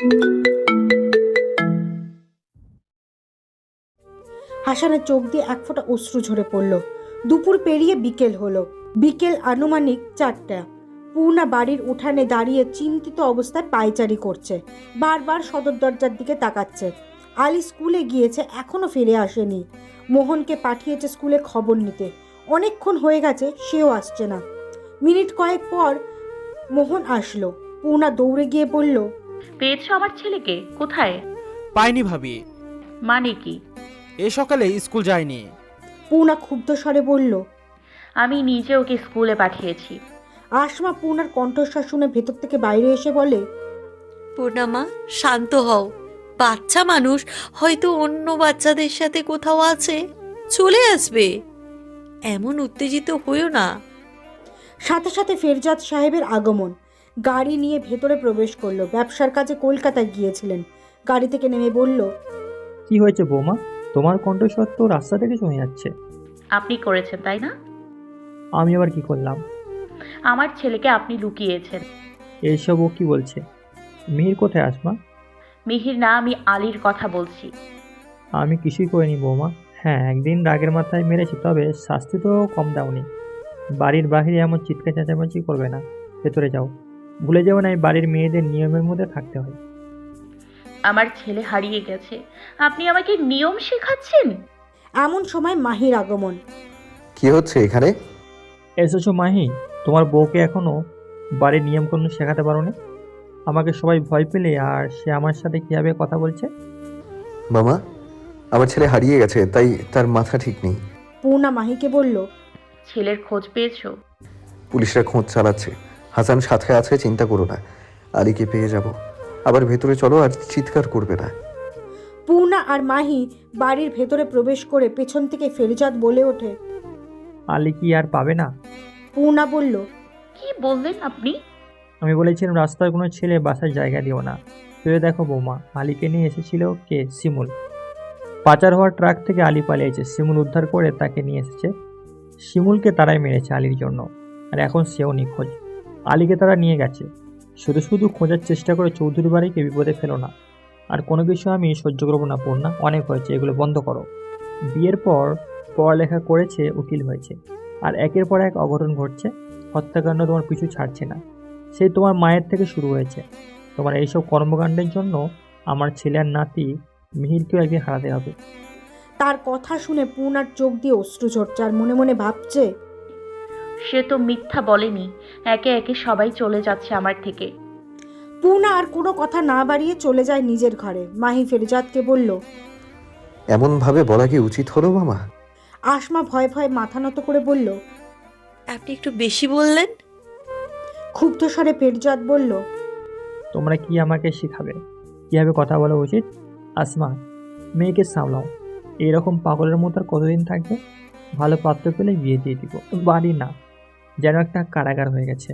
হাসানের চোখ দিয়ে এক ফোঁটা অশ্রু ঝরে পড়ল। দুপুর পেরিয়ে বিকেল হলো। বিকেল আনুমানিক 4টা। পূর্ণা বাড়ির উঠানে দাঁড়িয়ে চিন্তিত অবস্থায় পায়চারি করছে। বারবার সদর দরজার দিকে তাকাচ্ছে। আলি স্কুলে গিয়েছে, এখনো ফিরে আসেনি। মোহনকে পাঠিয়েছে স্কুলে খবর নিতে। অনেকক্ষণ হয়ে গেছে, সেও আসছে না। মিনিট কয়েক পর মোহন আসলো। পূর্ণা দৌড়ে গিয়ে বলল, পেয়েছো আমার ছেলেকে? কোথায়? পাইনি ভাবি। মানে কি? এ সকালে স্কুল যায়নি। পূর্ণা ক্ষুব্ধ স্বরে বলল। আমি নিজে ওকে স্কুলে পাঠিয়েছি। আসমা পূর্ণার কণ্ঠস্বর শুনে ভেতর থেকে বাইরে এসে বলে, পূর্ণামা, শান্ত হও। বাচ্চা মানুষ, হয়তো অন্য বাচ্চাদের সাথে কোথাও আছে, চলে আসবে। এমন উত্তেজিত হইও না। সাথে সাথে ফেরজাদ সাহেবের আগমন। গাড়ি নিয়ে ভেতরে প্রবেশ করলো। ব্যবসার কাজে কলকাতায় গিয়েছিলেন। গাড়ি থেকে নেমে বলল, কি হয়েছে বৌমা? তোমার কণ্ঠস্বর তো রাস্তা থেকে শুনে যাচ্ছে। আপনি করেছেন তাই না? আমি আবার কি করলাম? আমার ছেলেকে আপনি লুকিয়েছেন। এইসব ও কি বলছে? মিহির কোথায় আসমা? মিহির না, আমি আলীর কথা বলছি। আমি কিছুই করিনি বৌমা। হ্যাঁ, একদিন রাগের মাথায় মেরেছি, তবে শাস্তি তো কম দাওনি। বাড়ির বাহিরে এমন চিৎকার চেঁচামেচি করবে না। ভেতরে যাও। ভুলে যাও না, এই বাড়ির মেয়েদের নিয়মের মধ্যে থাকতে হয়। আমার ছেলে হারিয়ে গেছে, আপনি আমাকে নিয়ম শেখাচ্ছেন? এমন সময় মাহির আগমন। কি হচ্ছে এখানে? এসেছো মাহি? তোমার বউকে এখনো বাড়ির নিয়মকানুন শেখাতে পারো না? আমাকে সবাই ভয় পেলে, আর সে আমার সাথে কিভাবে কথা বলছে। মামা, আমার ছেলে হারিয়ে গেছে, তাই তার মাথা ঠিক নেই। পূর্ণা মাহিকে বলল, ছেলের খোঁজ পেয়েছো? পুলিশরা খোঁজ চালাচ্ছে। হাসান সাথে আছে, চিন্তা করো না। আলীকে পেয়ে যাব। আবার ভেতরে চলো, আর চিৎকার করবে না। পূর্ণা আর মাহি বাড়ির ভেতরে প্রবেশ করে পেছন থেকে ফেরজাদ বলে ওঠে, আলী কি আর পাবে না? পূর্ণা বলল, কি বললেন আপনি? আমি বলেছিলাম রাস্তার কোনো ছেলে বাসার জায়গা দিও না। ভেবে দেখো বৌমা, আলীকে নিয়ে এসেছিল কে? শিমুল। পাচার হওয়ার ট্রাক থেকে আলী পালিয়েছে, শিমুল উদ্ধার করে তাকে নিয়ে এসেছে। শিমুলকে তারাই মেরেছে আলীর জন্য, আর এখন সেও নিখোঁজ। আলীকে তারা নিয়ে গেছে। শুধু শুধু খোঁজার চেষ্টা করে চৌধুরী বাড়িকে বিপদে ফেলো না। আর কোনো কিছু আমি সহ্য করবো না পূর্ণা, অনেক হয়েছে, এগুলো বন্ধ করো। বিয়ের পর পড়ালেখা করেছে, উকিল হয়েছে, আর একের পর এক অঘটন ঘটছে। হত্যাকাণ্ড তোমার পিছু ছাড়ছে না। সেই তোমার মায়ের থেকে শুরু হয়েছে। তোমার এইসব কর্মকাণ্ডের জন্য আমার ছেলে আর নাতি মিহিরকেও একদিন হারাতে হবে। তার কথা শুনে পূর্ণার চোখ দিয়ে অশ্রু ঝরছে, আর মনে মনে ভাবছে, সে তো মিথ্যা বলেনি। একে একে সবাই চলে যাচ্ছে আমার থেকে। পূর্ণা আর কোনো কথা না বাড়িয়ে চলে যায় নিজের ঘরে। মাহি ফেরজাদকে বলল, এমনভাবে বলা কি উচিত হলো মামা? আসমা ভয়ে ভয়ে মাথা নত করে বলল। আপনি একটু বেশি বললেন। ক্ষুব্ধ স্বরে ফেরজাদ বলল, তোমরা কি আমাকে শেখাবে কীভাবে কথা বলা উচিত? আসমা, মেয়েকে সামলাও। এইরকম পাগলের মতো আর কতদিন থাকবে? ভালো পাত্র পেলে বিয়ে দিয়ে দিব। বাড়ি না, যেন একটা কারাগার হয়ে গেছে।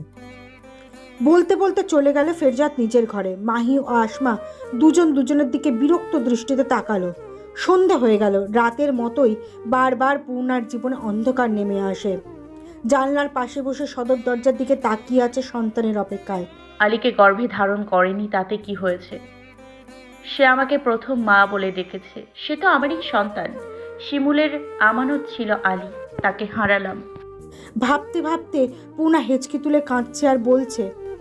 বলতে বলতে চলে গেল ফেরজাদ নিজের ঘরে। মাহি ও আসমা দুজন দুজনের দিকে বিরক্ত দৃষ্টিতে তাকালো। সন্ধে হয়ে গেল। রাতের মতোই বারবার পূর্ণার জীবনে অন্ধকার নেমে আসে। জানলার পাশে বসে সদর দরজার দিকে তাকিয়ে আছে সন্তানের অপেক্ষায়। আলীকে গর্ভে ধারণ করেনি, তাতে কি হয়েছে? সে আমাকে প্রথম মা বলে ডেকেছে। সে তো আমারই সন্তান। শিমুলের আমানত ছিল আলী, তাকে হারালাম। ভাবতে ভাবতে পূর্ণা হেঁচকি তুলে কাঁদছে আর বলছে,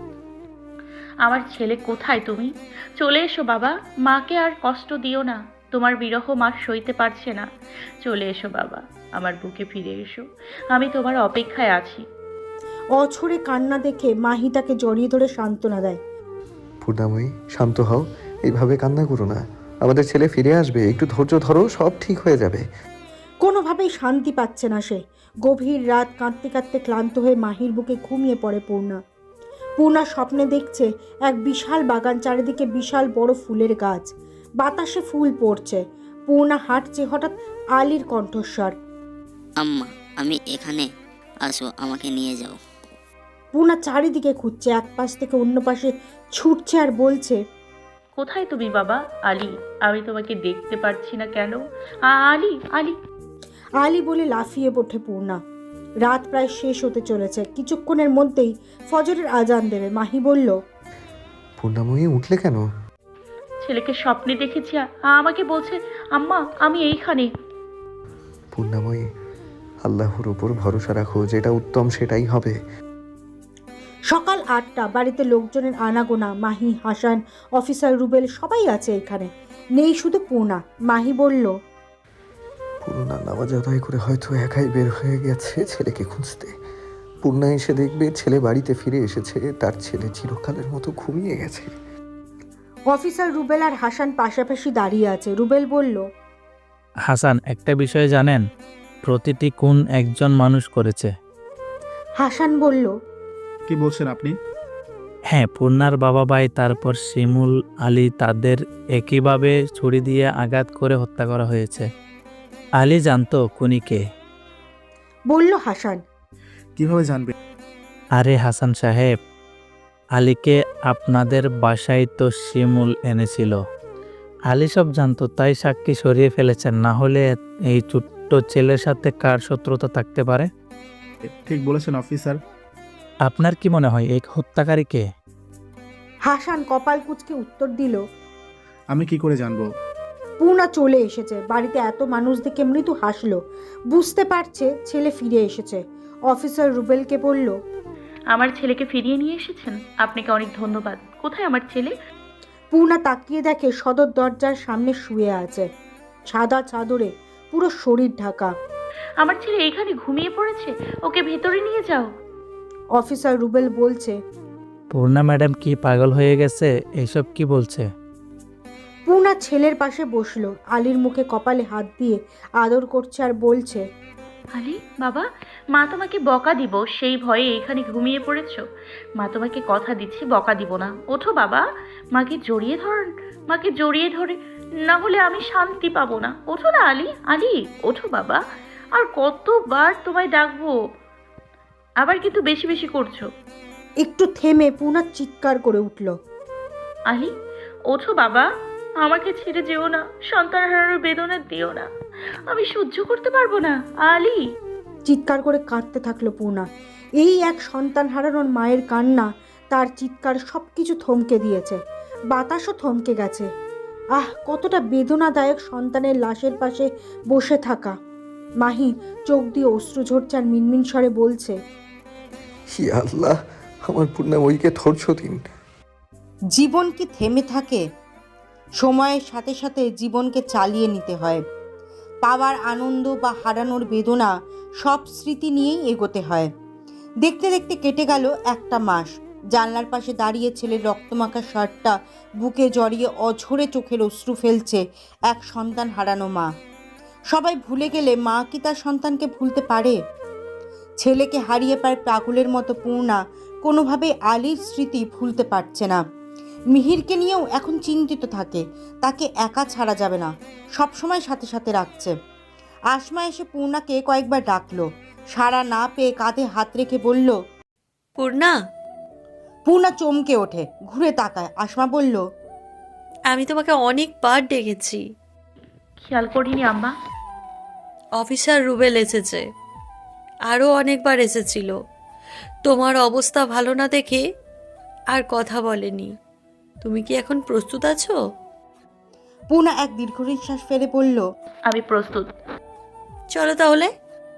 আমার ছেলে কোথায়? তুমি চলে এসো বাবা, মাকে আর কষ্ট দিও না। তোমার বিরহ মা সইতে পারছে না। চলে এসো বাবা, আমার বুকে ফিরে এসো। আমি তোমার অপেক্ষায় আছি। অঝরে কান্না দেখে মাহি তাকে জড়িয়ে ধরে সান্ত্বনা দেয়। পূর্ণাময়ী, শান্ত হও। এইভাবে কান্না করো না। আমাদের ছেলে ফিরে আসবে, একটু ধৈর্য ধরো, সব ঠিক হয়ে যাবে। কোনোভাবেই শান্তি পাচ্ছে না সে। গভীর রাত কাঁদতে কাঁদতে ক্লান্ত হয়ে মাহির বুকে ঘুমিয়ে পড়ে পূর্ণা। পূর্ণা স্বপ্নে দেখছে এক বিশাল বাগান, চারিদিকে বিশাল বড় ফুলের গাছ, বাতাসে ফুল পড়ছে। পূর্ণা হাঁটছে, হঠাৎ আলীর কণ্ঠস্বর। আম্মা, আমি এখানে, আসো, আমাকে নিয়ে যাও। পূর্ণা চারিদিকে খুঁজছে, এক পাশ থেকে অন্য পাশে ছুটছে আর বলছে, কোথায় তুমি বাবা? আলী, আমি তোমাকে দেখতে পারছি না কেন? আলী, আলী। আলী বলে লাফিয়ে ওঠে পূর্ণা। রাত প্রায় শেষ হতে চলেছে। কিছুক্ষণের মধ্যেই ফজরের আজান দেবে। মাহি বলল, পূর্ণাময়ী, উঠলে কেন? ছেলেকে স্বপ্নে দেখেছি, আমাকে বলছে আম্মা আমি এইখানে। পূর্ণাময়ী, আল্লাহর উপর ভরসা রাখো, যেটা উত্তম সেটাই হবে। সকাল 8টা, বাড়িতে লোকজনের আনাগোনা। মাহি, হাসান, অফিসার রুবেল সবাই আছে এখানে, নেই শুধু পূর্ণা। মাহি বলল, পূর্ণা নামাজ আদায় করে হয়তো একাই বের হয়ে গেছে ছেলেকে খুঁজতে। পূর্ণা এসে দেখবে ছেলে বাড়িতে ফিরে এসেছে, তার ছেলে চিরকালের মতো ঘুমিয়ে গেছে। অফিসার রুবেল আর হাসান পাশাপাশি দাঁড়িয়ে আছে। রুবেল বলল, হাসান, একটা বিষয় জানেন, প্রতিটি খুন একজন মানুষ করেছে। হাসান বলল, কি বলছেন আপনি? হ্যাঁ, পূর্ণার বাবা ভাই তারপর শিমুল আলী, তাদের একইভাবে ছুরি দিয়ে আঘাত করে হত্যা করা হয়েছে। আলী জানতো খুনি কে। বলল হাসান। কিভাবে জানবে? আরে হাসান সাহেব, আলীকে আপনাদের বাসায় তো শিমুল এনেছিল। আলী সব জানতো, তাই সাক্ষী সরিয়ে ফেলেছেন। না হলে এই ছোট্ট ছেলের সাথে কার শত্রুতা থাকতে পারে? ঠিক বলেছেন অফিসার। আপনার কি মনে হয় এই হত্যাকারী কে? হাসান কপাল কুঁচকে উত্তর দিল, আমি কি করে জানবো? পূর্ণা চলে এসেছে। বাড়িতে এত মানুষ দেখে মৃদু হাসলো, বুঝতে পারছে ছেলে ফিরে এসেছে। অফিসার রুবেলকে বলল, আমার ছেলেকে ফিরিয়ে নিয়ে এসেছেন, আপনাকে অনেক ধন্যবাদ। কোথায় আমার ছেলে? পূর্ণা তাকিয়ে দেখে সদর দরজার সামনে শুয়ে আছে, সাদা চাদরে পুরো শরীর ঢাকা। আমার ছেলে এখানে ঘুমিয়ে পড়েছে, ওকে ভেতরে নিয়ে যাও। অফিসার রুবেল বলছে, পূর্ণা ম্যাডাম কি পাগল হয়ে গেছে? এইসব কি বলছে? পূর্ণা ছেলের পাশে বসলো, আলীর মুখে কপালে হাত দিয়ে আদর করছে আর বলছে, আলী বাবা, মা তোমাকে বকা দিব সেই ভয়ে এখানে ঘুমিয়ে পড়েছো। মা তোমাকে কথা দিচ্ছি বকা দিব না। ওঠো বাবা, মাকে জড়িয়ে ধরুন, মাকে জড়িয়ে ধরে, না হলে আমি শান্তি পাবো না। ওঠো না আলী, আলী ওঠো বাবা, আর কতবার তোমায় ডাকবো? আবার কিন্তু বেশি বেশি করছো। একটু থেমে পূর্ণা চিৎকার করে উঠল, আলী ওঠো বাবা, আমাকে ছেড়ে যেও না, সন্তান হারানোর বেদনা দিও না, আমি সহ্য করতে পারবো না। আলী চিৎকার করে কাঁদতে থাকলো পূর্ণা। এই এক সন্তান হারানোর মায়ের কান্না, তার চিৎকার সবকিছু থমকে দিয়েছে, বাতাসও থমকে গেছে। আহ, কতটা বেদনাদায়ক সন্তানের লাশের পাশে বসে থাকা। মাহি চোখ দিয়ে অশ্রু ঝরছে আর মিনমিন স্বরে বলছে, হি আল্লাহ, আমার পূর্ণাময়ীকে ধৈর্য দিন। জীবন কি থেমে থাকে? সময়ের সাথে সাথে জীবনকে চালিয়ে নিতে হয়। পাওয়ার আনন্দ বা হারানোর বেদনা, সব স্মৃতি নিয়েই এগোতে হয়। দেখতে দেখতে কেটে গেল একটা মাস। জানলার পাশে দাঁড়িয়ে ছেলের রক্তমাখা শার্টটা বুকে জড়িয়ে অঝরে চোখের অশ্রু ফেলছে এক সন্তান হারানো মা। সবাই ভুলে গেলে মা কি তার সন্তানকে ভুলতে পারে? ছেলেকে হারিয়ে পায় পাগলের মতো পূর্ণা কোনোভাবে আলীর স্মৃতি ভুলতে পারছে না। মিহিরকে নিয়েও এখন চিন্তিত থাকে, তাকে একা ছাড়া যাবে না, সবসময় সাথে সাথে রাখছে। আসমা এসে পূর্ণাকে কয়েকবার ডাকলো, সাড়া না পেয়ে কাঁধে হাত রেখে বলল, পূর্ণা, পূর্ণা চমকে ওঠে, ঘুরে তাকায়। আসমা বলল, আমি তোমাকে অনেকবার ডেকেছি। খেয়াল করিনি আম্মা। অফিসার রুবেল এসেছে, আরও অনেকবার এসেছিল। তোমার অবস্থা ভালো না দেখে আর কথা বলেনি। তুমি কি এখন প্রস্তুত আছো? পূর্ণা এক দীর্ঘ নিঃশ্বাস ফেলে বলল, আমি প্রস্তুত। চলো তাহলে।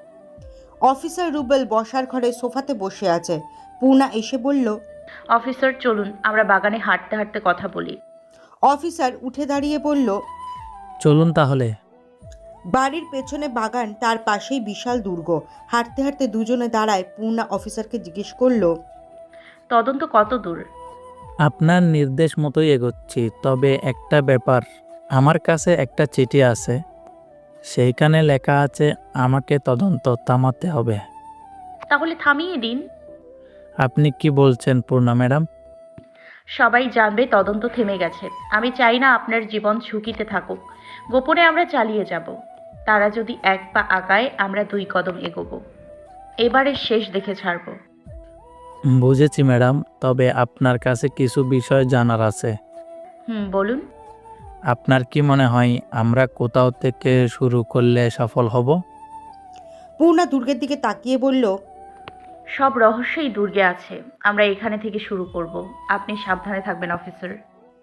অফিসার রুবেল বসার ঘরে সোফাতে বসে আছে। পূর্ণা এসে বলল, অফিসার চলুন আমরা বাগানে হাঁটতে হাঁটতে কথা বলি। অফিসার উঠে দাঁড়িয়ে বলল, চলুন তাহলে। বাড়ির পেছনে বাগান, তার পাশেই বিশাল দুর্গ। হাঁটতে হাঁটতে দুজনে দাঁড়ায়। পূর্ণা অফিসারকে জিজ্ঞেস করলো, তদন্ত কত দূর? আপনার নির্দেশ মতোই এগোচ্ছি, তবে একটা ব্যাপার, আমার কাছে একটা চিঠি আছে, সেইখানে লেখা আছে আমাকে তদন্ত থামাতে হবে। তাহলে থামিয়ে দিন। আপনি কি বলছেন পূর্ণা ম্যাডাম? সবাই জানবে তদন্ত থেমে গেছে। আমি চাই না আপনার জীবন ঝুঁকিতে থাকুক। গোপনে আমরা চালিয়ে যাব। তারা যদি এক পা আগায় আমরা 2 কদম এগোবো। এবারে শেষ দেখে ছাড়বো। বুঝেছি ম্যাডাম, তবে আপনার কাছে কিছু বিষয় জানার আছে। বলুন। আপনার কি মনে হয় আমরা কোথাও থেকে শুরু করলে সফল হব? পূর্ণা দুর্গের দিকে তাকিয়ে বলল, সব রহস্যই দুর্গে আছে। আমরা এখানে থেকে শুরু করব। আপনি সাবধানে থাকবেন অফিসার।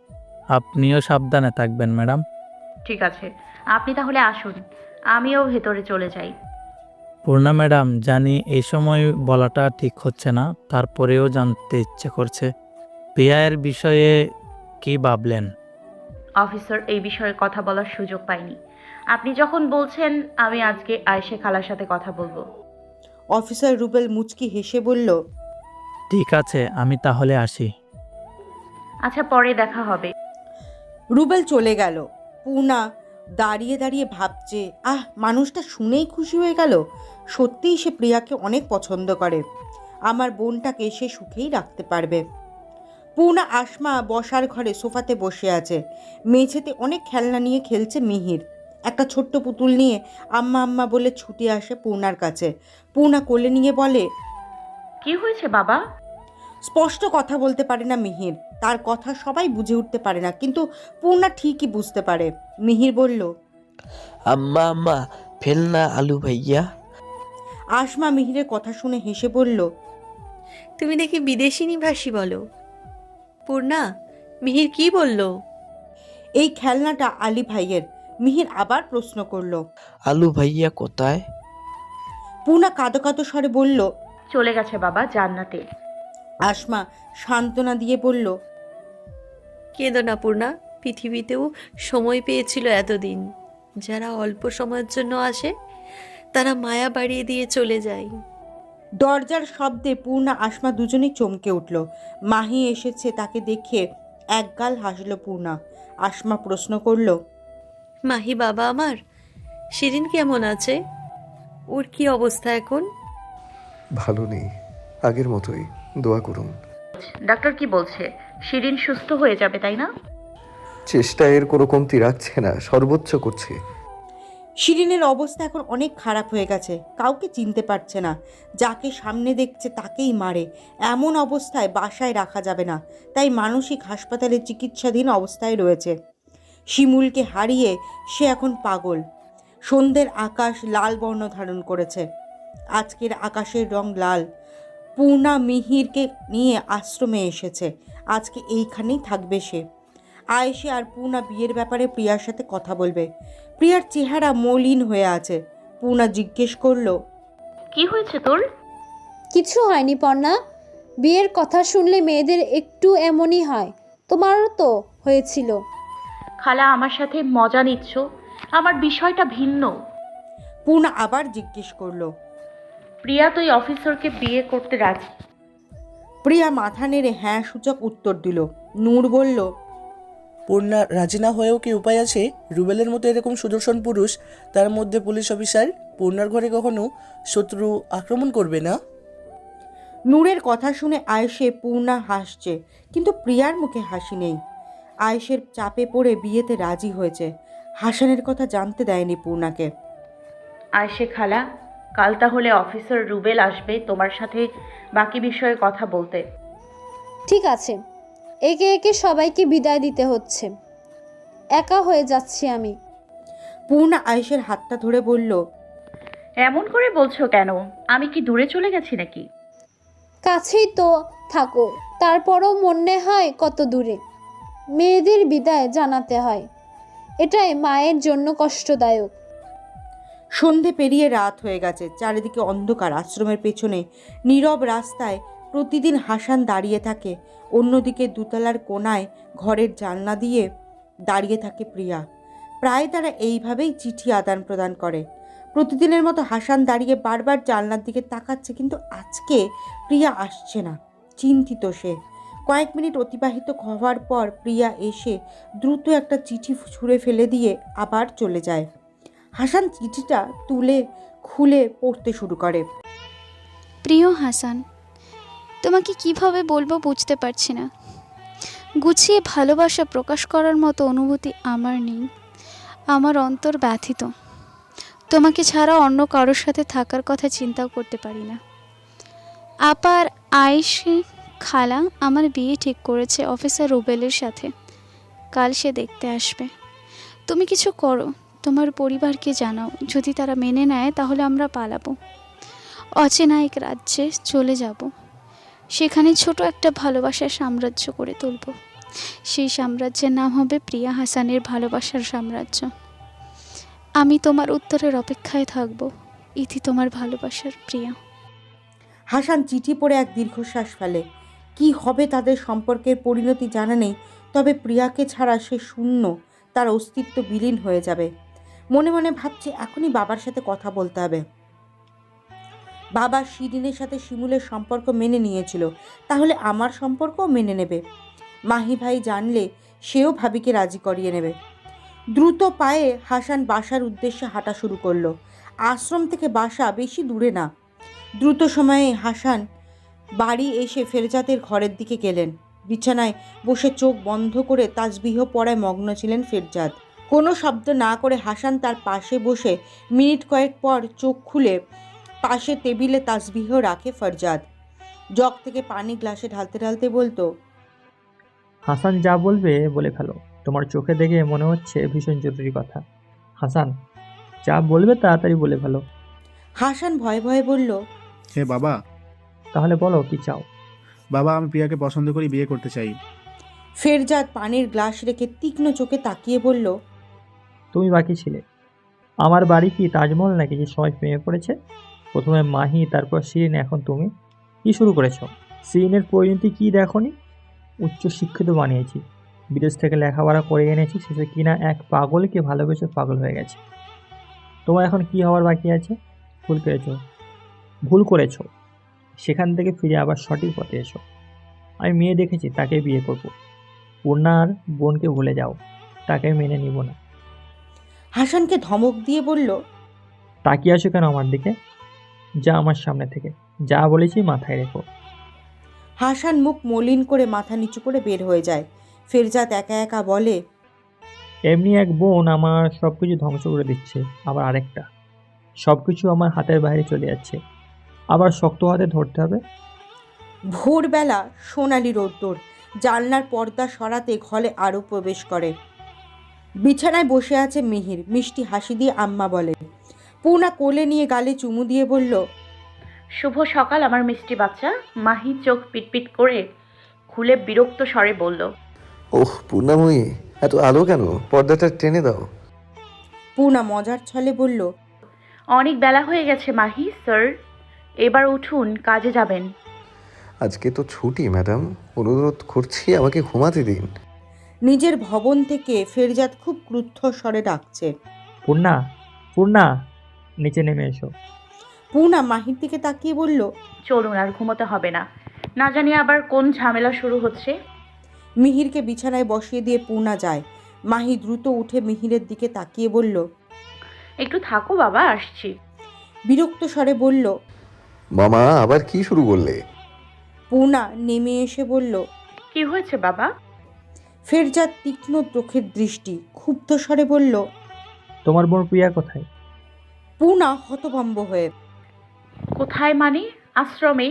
আপনিও সাবধানে থাকবেন ম্যাডাম। ঠিক আছে, আপনি তাহলে আসুন, আমিও ভেতরে চলে যাই। পূর্ণা ম্যাডাম, জানি এই সময় বলাটা ঠিক হচ্ছে না, তারপরেও জানতে ইচ্ছে করছে প্রিয়ার বিষয়ে কি ভাবলেন? অফিসার এই বিষয়ে কথা বলার সুযোগ পাইনি। আপনি যখন বলছেন, আমি আজকে আয়েশা খালার সাথে কথা বলবো। অফিসার রুবেল মুচকি হেসে বলল, ঠিক আছে, আমি তাহলে আসি। আচ্ছা, পরে দেখা হবে। রুবেল চলে গেল। পূর্ণা দাঁড়িয়ে দাঁড়িয়ে ভাবছে, মানুষটা শুনেই খুশি হয়ে গেল। সত্যিই সে প্রিয়াকে অনেক পছন্দ করে। আমার বোনটাকে সে সুখেই রাখতে পারবে। পূর্ণা আসমা বসার ঘরে সোফাতে বসে আছে। মেঝেতে অনেক খেলনা নিয়ে খেলছে মিহির। একটা ছোট্ট পুতুল নিয়ে আম্মা আম্মা বলে ছুটে আসে পূর্ণার কাছে। পূর্ণা কোলে নিয়ে বলে, কি হয়েছে বাবা? স্পষ্ট কথা বলতে পারে না মিহির। তার কথা সবাই বুঝে উঠতে পারে না, কিন্তু পূর্ণা ঠিকই বুঝতে পারে। মিহির বলল, আম্মা আম্মা ফেলনা আলু ভাইয়া। আসমা মিহিরের কথা শুনে হেসে বলল, তুমি দেখি বিদেশিনী ভাষী বলো। পূর্ণা, মিহির কি বলল? এই খেলনাটা আলী ভাইয়ের। মিহির আবার প্রশ্ন করলো। আলু ভাইয়া কোথায়? পূর্ণা কাঁদো কাঁদো স্বরে বলল, চলে গেছে বাবা জান্নাতে। আসমা সান্ত্বনা দিয়ে বলল, কেঁদো না পূর্ণা, পৃথিবীতেও সময় পেয়েছিল এতদিন। যারা অল্প সময়ের জন্য আসে তারা মায়া বাড়িয়ে দিয়ে চলে যায়। দরজার শব্দে পূর্ণা আসমা দুজনেই চমকে উঠল। মাহি এসেছে তাকে দেখে একগাল হাসল পূর্ণা। আসমা প্রশ্ন করল, মাহি বাবা আমার, শিরিন কেমন আছে? ওর কি অবস্থা এখন? ভালো নেই, আগের মতোই, দোয়া করুন। ডাক্তার কি বলছে? শিরিন সুস্থ হয়ে যাবে, তাই না? চেষ্টা এর কোনো কমতি রাখছে না, সর্বোচ্চ করছে। শিরিনের অবস্থা এখন অনেক খারাপ হয়ে গেছে। কাউকে চিনতে পারছে না। যাকে সামনে দেখছে তাকেই মারে। এমন অবস্থায় বাসায় রাখা যাবে না, তাই মানসিক হাসপাতালে চিকিৎসাধীন অবস্থায় রয়েছে। শিমুলকে হারিয়ে সে এখন পাগল। সন্ধ্যের আকাশ লাল বর্ণ ধারণ করেছে। আজকের আকাশের রং লাল। পূর্ণা মিহিরকে নিয়ে আশ্রমে এসেছে। আজকে এইখানেই থাকবে সে। আয়েশা আর পূর্ণা বিয়ের ব্যাপারে প্রিয়ার সাথে কথা বলবে। প্রিয়ার চেহারা মলিন হয়ে আছে। পূর্ণা জিজ্ঞেস করলো, কি হয়েছে তোর? কিছু হয়নি পর্ণা। বিয়ের কথা শুনলে মেয়েদের একটু এমনই হয়, তোমারও তো হয়েছিল। খালা আমার সাথে মজা নিচ্ছ? আমার বিষয়টা ভিন্ন। পূর্ণা আবার জিজ্ঞেস করলো। প্রিয়া তুই অফিসারকে বিয়ে করতে রাজি? প্রিয়া মাথা নেড়ে হ্যাঁ সূচক উত্তর দিল। নূর বলল, পূর্ণা রাজি না হয়েও কি উপায় আছে? রুবেলের মতো এরকম সুদর্শন পুরুষ, তার মধ্যে পুলিশ অফিসার, পূর্ণার ঘরে কখনো শত্রু আক্রমণ করবে না। নূরের কথা শুনে আয়েশে পূর্ণা হাসছে, কিন্তু প্রিয়ার মুখে হাসি নেই। আয়েশের চাপে পড়ে বিয়েতে রাজি হয়েছে। হাসানের কথা জানতে দেয়নি পূর্ণাকে। আয়েশে খালা, কাল তাহলে অফিসার রুবেল আসবে তোমার সাথে বাকি বিষয়ে কথা বলতে। ঠিক আছে, একে একে সবাইকে বিদায় দিতে হচ্ছে, একা হয়ে যাচ্ছি আমি। পূর্ণা আয়েশের হাতটা ধরে বলল, এমন করে বলছো কেন? আমি কি দূরে চলে গেছি নাকি? কাছেই তো থাকো, তারপরও মনে হয় কত দূরে। মেয়েদের বিদায় জানাতে হয়, এটাই মায়ের জন্য কষ্টদায়ক। সন্ধে পেরিয়ে রাত হয়ে গেছে। চারিদিকে অন্ধকার। আশ্রমের পেছনে নীরব রাস্তায় প্রতিদিন হাসান দাঁড়িয়ে থাকে। অন্যদিকে দোতলার কোণায় ঘরের জানলা দিয়ে দাঁড়িয়ে থাকে প্রিয়া। প্রায় তারা এইভাবেই চিঠি আদান প্রদান করে। প্রতিদিনের মতো হাসান দাঁড়িয়ে বারবার জানলার দিকে তাকাচ্ছে, কিন্তু আজকে প্রিয়া আসছে না। চিন্তিত সে। কয়েক মিনিট অতিবাহিত হওয়ার পর প্রিয়া এসে দ্রুত একটা চিঠি ছুঁড়ে ফেলে দিয়ে আবার চলে যায়। হাসান চিঠিটা খুলে পড়তে শুরু করে। প্রিয় হাসান, তোমাকে কিভাবে বলবো বুঝতে পারছি না। গুছিয়ে ভালোবাসা প্রকাশ করার মতো অনুভূতি আমার নেই। আমার অন্তর ব্যথিত। তোমাকে ছাড়া অন্য কারোর সাথে থাকার কথা চিন্তাও করতে পারি না। আপার আয়েশা খালা আমার বিয়ে ঠিক করেছে অফিসার রুবেলের সাথে। কাল সে দেখতে আসবে। তুমি কিছু করো, তোমার পরিবারকে জানাও। যদি তারা মেনে নেয় তাহলে আমরা পালাবো, অচেনা এক রাজ্যে চলে যাব। সেখানে ছোট একটা ভালোবাসার সাম্রাজ্য করে তুলব। সেই সাম্রাজ্যের নাম হবে প্রিয়া হাসানের ভালোবাসার সাম্রাজ্য। আমি তোমার উত্তরের অপেক্ষায় থাকব। ইতি তোমার ভালোবাসার প্রিয়া। হাসান চিঠি পড়ে এক দীর্ঘশ্বাস ফেলে। কি হবে তাদের সম্পর্কের পরিণতি জানা নেই, তবে প্রিয়াকে ছাড়া সে শূন্য, তার অস্তিত্ব বিলীন হয়ে যাবে। মনে মনে ভাবছে এখনই বাবার সাথে কথা বলতে হবে। বাবা শিরিনের সাথে শিমুলের সম্পর্ক মেনে নিয়েছিল, তাহলে আমার সম্পর্কও মেনে নেবে। মাহি ভাই জানলে সেও ভাবিকে রাজি করিয়ে নেবে। দ্রুত পায়ে হাসান বাসার উদ্দেশ্যে হাঁটা শুরু করলো। আশ্রম থেকে বাসা বেশি দূরে না। দ্রুত সময়ে হাসান বাড়ি এসে ফেরজাতের ঘরের দিকে গেলেন। বিছানায় বসে চোখ বন্ধ করে তাসবিহ পড়ায় মগ্ন ছিলেন ফেরজাত। কোনো শব্দ না করে হাসান তার পাশে বসে মিনিট কয়েক পর চোখ খুলে পাশে টেবিলে তাসবিহ রাখে ফরজাদ। জগ থেকে পানি গ্লাসে ঢালতে ঢালতে বলতো, হাসান যা বলবে বলে ফেলো, তোমার চোখে দেখে মনে হচ্ছে ভীষণ জরুরি কথা। হাসান যা বলবে তাড়াতাড়ি বলে ফেলো। হাসান ভয়ে ভয়ে বলল, হে বাবা। তাহলে বলো কি চাও। বাবা, আমি প্রিয়াকে পছন্দ করি, বিয়ে করতে চাই। ফেরজাদ পানির গ্লাস রেখে তীক্ষ্ণ চোখে তাকিয়ে বলল, তুমি বাকি ছিলে। আমার বাড়ি কি তাজমহল নাকি যে সবাই প্রেমে পড়েছে? প্রথমে মাহি, তারপর শিরিন, এখন তুমি। কি শুরু করেছ? শিরিনের পরিণতি কি দেখনি? উচ্চ শিক্ষিত বানিয়েছি, বিদেশ থেকে লেখাপড়া করে এনেছি, শেষে কিনা এক পাগলকে ভালোবেসে পাগল হয়ে গেছে। তোমার এখন কি হওয়ার বাকি আছে? ভুল করেছ। সেখান থেকে ফিরে আবার সঠিক পথে এসো। আমি মেয়ে দেখেছি, তাকে বিয়ে করব। পূর্ণার বোনকে ভুলে যাও, তাকে মেনে নিব না। হাসানকে ধমক দিয়ে বলল, তাকিয়ে আসো কেন আমার দিকে? যা আমার সামনে থেকে, যা বলেছি মাথায় রেখো। হাসান মুখ মলিন করে মাথা নিচু করে বের হয়ে যায়। ফেরজাদ একা একা বলে, এমনি এক বোন আমার সব কিছু ধ্বংস করে দিচ্ছে, আবার আরেকটা সব কিছু আমার হাতের বাইরে চলে যাচ্ছে, আবার শক্ত হাতে ধরতে হবে। ভোরবেলা সোনালি রোদ্দুর জানলার পর্দা সরাতে ঘরে আরও প্রবেশ করে। বিছানায় বসে আছে মিহির। মিষ্টি হাসি দিয়ে আম্মা বলে। পূর্ণা কোলে নিয়ে গালে চুমু দিয়ে বলল, শুভ সকাল আমার মিষ্টি বাচ্চা। মাহি চোখ পিটপিট করে খুলে বিরক্ত স্বরে বলল, ওহ পূর্ণাময়ী, এত আলো কেন? পর্দাটা টেনে দাও। পূর্ণা মজার ছলে বলল, অনেক বেলা হয়ে গেছে মাহি স্যার, এবার উঠুন, কাজে যাবেন। আজকে তো ছুটি ম্যাডাম, অনুরোধ করছি আমাকে ঘুমাতে দিন। নিজের ভবন থেকে ফেরজাদ খুব ক্রুদ্ধ স্বরে ডাকছে, পূর্ণা, পূর্ণা, নিচে নেমে এসো। পূর্ণা মাহির দিকে তাকিয়ে বলল, চলুন, আর ঘুমোতে হবে না, না জানি আবার কোন ঝামেলা শুরু হচ্ছে। মিহিরকে বিছানায় বসিয়ে দিয়ে পূর্ণা যায়। মাহি দ্রুত উঠে মিহিরের দিকে তাকিয়ে বলল, একটু থাকো বাবা, আসছি। বিরক্ত স্বরে বলল, মামা আবার কি শুরু করলে? পূর্ণা নেমে এসে বলল, কি হয়েছে বাবা? ফেরজাদ তীক্ষ্ণ চোখের দৃষ্টি ক্ষুব্ধ স্বরে বলল, তোমার বোন প্রিয়া কোথায়? পূর্ণা হতভম্ব হয়ে, কোথায় মানে? আশ্রমে।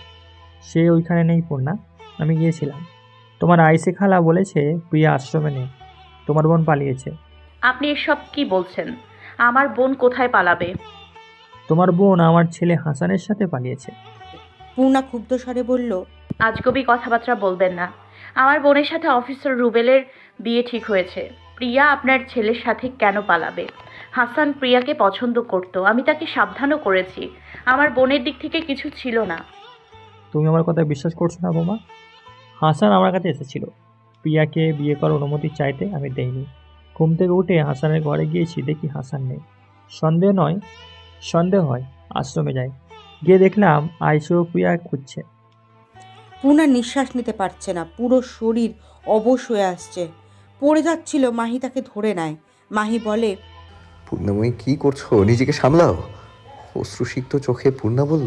সে ওইখানে নেই পূর্ণা, আমি গিয়েছিলাম। তোমার আইসে খালা বলেছে প্রিয়া আশ্রমে নেই, তোমার বোন পালিয়েছে। আপনি এসব কি বলছেন? আমার বোন কোথায় পালাবে? তোমার বোন আমার ছেলে হাসানের সাথে পালিয়েছে। পূর্ণা ক্ষুব্ধ স্বরে বলল, আজগবি কথাবার্তা বলবেন না। আমার বোনের সাথে অফিসার রুবেলের বিয়ে ঠিক হয়েছে। প্রিয়া আপনার ছেলের সাথে কেন পালাবে? হাসান প্রিয়াকে পছন্দ করত, আমি তাকে সাবধানও করেছি। আমার বোনের দিক থেকে কিছু ছিল না। তুমি আমার কথা বিশ্বাস করছো না বোমা? হাসান আমার কাছে এসেছিল প্রিয়াকে বিয়ে করার অনুমতি চাইতে, আমি দেইনি। ঘুম থেকে উঠে হাসানের ঘরে গিয়েছি, দেখি হাসান নেই। সন্দেহ নয়, সন্দেহ হয়। আশ্রমে যাই, গিয়ে দেখলাম আইসো প্রিয়া খুঁজছে। পূর্ণা নিঃশ্বাস নিতে পারছে না, পুরো শরীর অবশ হয়ে আসছে। পড়ে যাচ্ছিল, মাহি তাকে ধরে নেয়। মাহি বলে, পূর্ণাময়ী কি করছো? নিজেকে সামলাও। অশ্রুসিক্ত চোখে পূর্ণা বলল,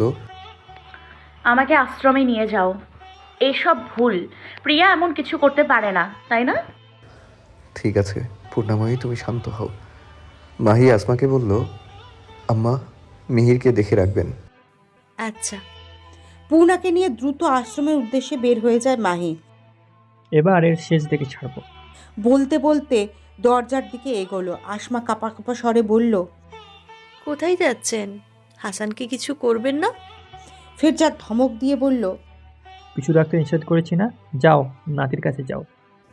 আমাকে আশ্রমে নিয়ে যাও। এসব ভুল, প্রিয়া এমন কিছু করতে পারে না, তাই না? ঠিক আছে পূর্ণাময়ী, তুমি শান্ত হও। মাহি আসমাকে বলল, আম্মা মিহিরকে দেখে রাখবেন। আচ্ছা। পূর্ণাকে নিয়ে দ্রুত আশ্রমের উদ্দেশ্যে বের হয়ে যায় মাহি। এবার এর শেষ দেখে ছাড়বো। বলতে বলতে দরজার দিকে এগোলো। আসমা কাঁপা কাঁপা স্বরে বলল, কোথায় যাচ্ছেন? হাসানকে কিছু করবেন না? ফেরজাদ ধমক দিয়ে বলল, পিছু রাখতে নিষেধ করেছি না? যাও, নাতির কাছে যাও।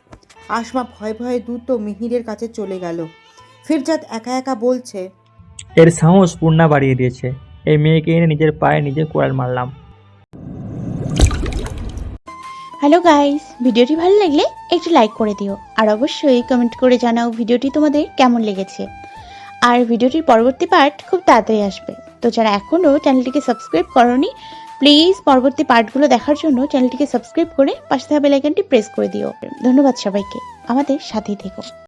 আসমা ভয়ে ভয়ে দ্রুত মিহিরের কাছে চলে গেল। ফিরজাদ একা একা বলছে, এর সাহস পূর্ণা বাড়িয়ে দিয়েছে। এই মেয়েকে এনে নিজের পায়ে নিজে কোড়াল মারলাম। হ্যালো গাইস, ভিডিওটি ভালো লাগলে একটু লাইক করে দিও আর অবশ্যই কমেন্ট করে জানাও ভিডিওটি তোমাদের কেমন লেগেছে। আর ভিডিওটির পরবর্তী পার্ট খুব তাড়াতাড়ি আসবে, তো যারা এখনও চ্যানেলটিকে সাবস্ক্রাইব করোনি প্লিজ পরবর্তী পার্টগুলো দেখার জন্য চ্যানেলটিকে সাবস্ক্রাইব করে পাশে থাকা বেল আইকনটি প্রেস করে দিও। ধন্যবাদ সবাইকে, আমাদের সাথেই থেকো।